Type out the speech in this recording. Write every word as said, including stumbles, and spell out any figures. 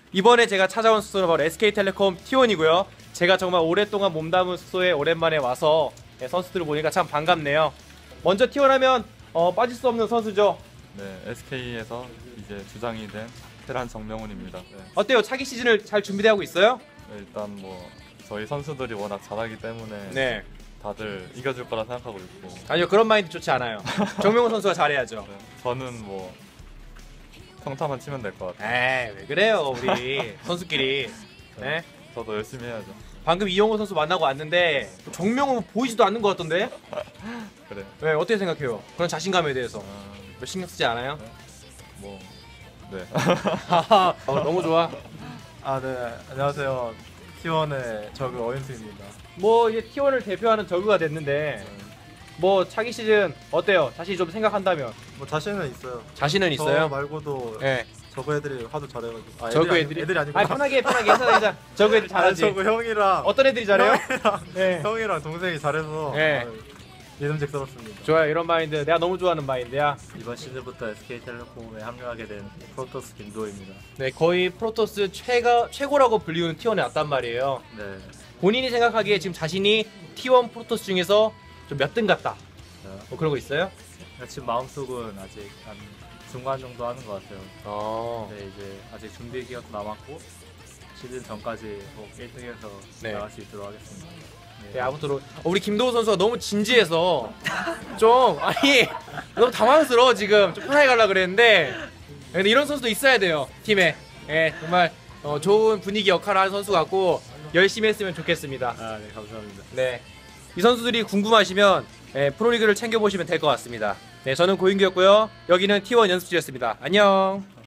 이번에 제가 찾아온 숙소는 바로 에스케이텔레콤 티원이고요. 제가 정말 오랫동안 몸담은 숙소에 오랜만에 와서 네, 선수들을 보니까 참 반갑네요. 먼저 티원 하면 어, 빠질 수 없는 선수죠. 네, 에스케이에서 이제 주장이 된 테란 정명훈입니다. 네, 어때요? 차기 시즌을 잘 준비되고 있어요? 네, 일단 뭐 저희 선수들이 워낙 잘하기 때문에 네. 다들 이겨줄 거라 생각하고 있고. 아니요, 그런 마인드 좋지 않아요. 정명훈 선수가 잘해야죠. 네, 저는 뭐 평타만 치면 될 것 같아요. 에이, 왜 그래요, 우리 선수끼리. 네? 저도 열심히 해야죠. 방금 이용호 선수 만나고 왔는데 정명훈 보이지도 않는 것 같던데? 그래. 네, 어떻게 생각해요? 그런 자신감에 대해서 아, 별 신경 쓰지 않아요? 뭐 네. 하하, 어, 너무 좋아. 아, 네. 안녕하세요. 티원의 저그 어윤수입니다. 뭐 이제 티원을 대표하는 저그가 됐는데 뭐 차기 시즌 어때요? 다시 좀 생각한다면 뭐 자신은 있어요. 자신은 저 있어요? 말고도 네. 저그 애들이 하도 잘해가지고. 아, 저그 아니- 애들이? 애들이 아니고. 아니 편하게 편하게 해서 저그 애들 잘하지. 저그 형이랑 어떤 애들이 잘해요? 형이랑, 네. 형이랑 동생이 잘해서 네. 아, 예능직스럽습니다. 좋아요, 이런 마인드 내가 너무 좋아하는 마인드야. 이번 시즌부터 에스케이텔레콤에 합류하게 된 프로토스 김도호입니다. 네, 거의 프로토스 최가, 최고라고 불리우는 티원에 왔단 말이에요. 네, 본인이 생각하기에 지금 자신이 티원 프로토스 중에서 좀 몇 등 같다 뭐 그런 거 있어요? 지금 마음속은 아직 한 중간 정도 하는 것 같아요. 어. 네, 이제 아직 준비 기간도 남았고 시즌 전까지 꼭 일 등해서 네. 나갈 수 있도록 하겠습니다. 네, 아무튼 어, 우리 김도우 선수가 너무 진지해서 좀 아니 너무 당황스러워 지금. 좀 편하게 가려고 그랬는데 근데 이런 선수도 있어야 돼요 팀에. 예, 정말 어, 좋은 분위기 역할을 하는 선수 같고 열심히 했으면 좋겠습니다. 아, 네, 감사합니다. 네, 이 선수들이 궁금하시면 예, 프로리그를 챙겨보시면 될 것 같습니다. 네, 저는 고인규였고요. 여기는 티원 연습실이었습니다. 안녕.